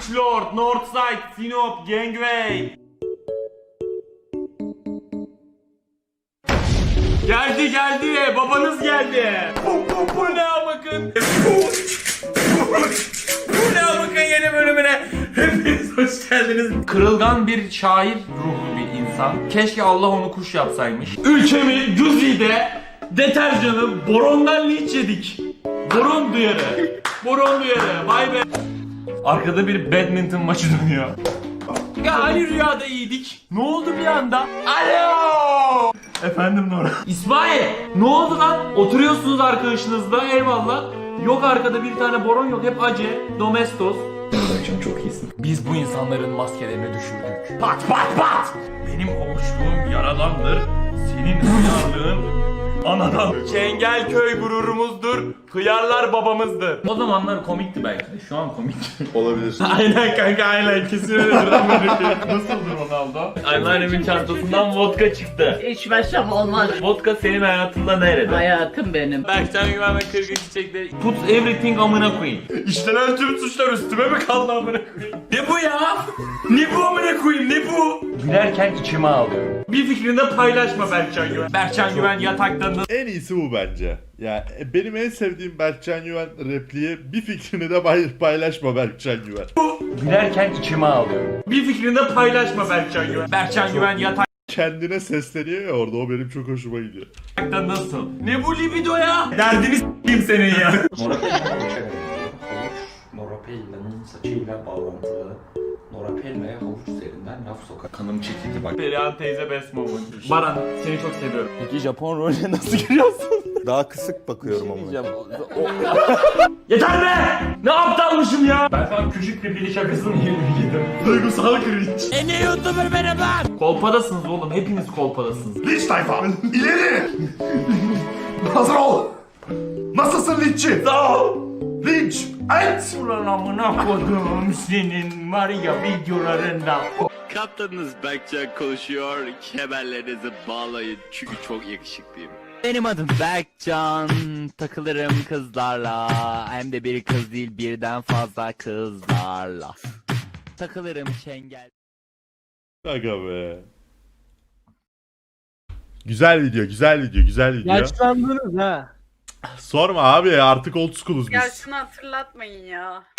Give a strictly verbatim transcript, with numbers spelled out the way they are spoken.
üç Lord, Northside, Sinop, Gangway. Geldi geldi, babanız geldi. Bu, bu, bu ne bakın. Bu ne bakın yeni bölümüne. Hepiniz hoş geldiniz. Kırılgan bir şair ruhlu bir insan. Keşke Allah onu kuş yapsaymış. Ülkemi Güzi'de deterjanı borondan linç yedik. Boron duyarı. Boron duyarı. Vay be. Arkada bir badminton maçı dönüyor. Ya hani rüyada iyiydik. Ne oldu bir anda? Alo! Efendim Nora. İsmail! Ne oldu lan? Oturuyorsunuz arkadaşınızla, eyvallah. Yok arkada bir tane boron yok. Hep acı. Domestos. Akşam çok iyisin. Biz bu insanların maskelerini düşürdük. Pat pat pat! Benim hoşluğum yaradandır. Senin hıyarlığın anadan. Çengelköy gururumuzdur. Hıyarlar babamızdır. O zamanlar komikti belki de. Şu an komik. Olabilir. Aynen kanka aynen. Kesin öyledir. Nasıldır Ronaldo? Anneannemin çantasından vodka çıktı. İçmezsem olmaz. Vodka senin hayatında nerede? Hayatım benim. Berkcan Güven ve Kırgın Çiçek'te put everything amına koyayım. İşlenen tüm suçlar üstüme mi kaldı amına koyayım? Ne bu ya? Ne bu amına koyayım? Ne bu? Gülerken içime ağlıyorum. Bir fikrini de paylaşma Berkcan Güven. Berkcan Güven yatakta nasıl? En iyisi bu bence. Ya benim en sevdiğim Berkcan Güven repliği, bir fikrini de pay- paylaşma Berkcan Güven. Gülerken içime ağlıyorum. Bir fikrini de paylaşma Berkcan Güven. Berkcan Güven yatakta Kendine sesleniyor ya orada, o benim çok hoşuma gidiyor. nasıl? Ne bu libido ya? Derdini s**eyim senin ya. Norapella'nın saçıyla bağlantılı. Norapella'ya havuç üzerinden laf sokar. Kanım çekildi bak. Perihan teyze best moment. Baran seni çok seviyorum. Peki Japon rolüne nasıl giriyorsun? Daha kısık bakıyorum ama. Yeter be! Ne aptalmışım ya? Ben sana küçük bir bili şakasını yedim. Duygusal cringe. E ne YouTuber benim lan? Kolpadasınız oğlum. Hepiniz kolpadasınız. Linç tayfa! İleri! Hazır ol! Nasılsın linççi? Sağ ol. Linç! Et! Ulan amına koduğum senin var ya videolarında. Kaptanınız Berkcan konuşuyor. Kemerlerinizi bağlayın çünkü çok yakışıklıyım. Benim adım Berkcan, takılırım kızlarla, hem de bir kız değil birden fazla kızlarla. Takılırım çengel. Aga be. Güzel video, güzel video, güzel video. Yaşlandınız ha. Sorma abi, artık old school'uz Ya biz. şunu hatırlatmayın ya.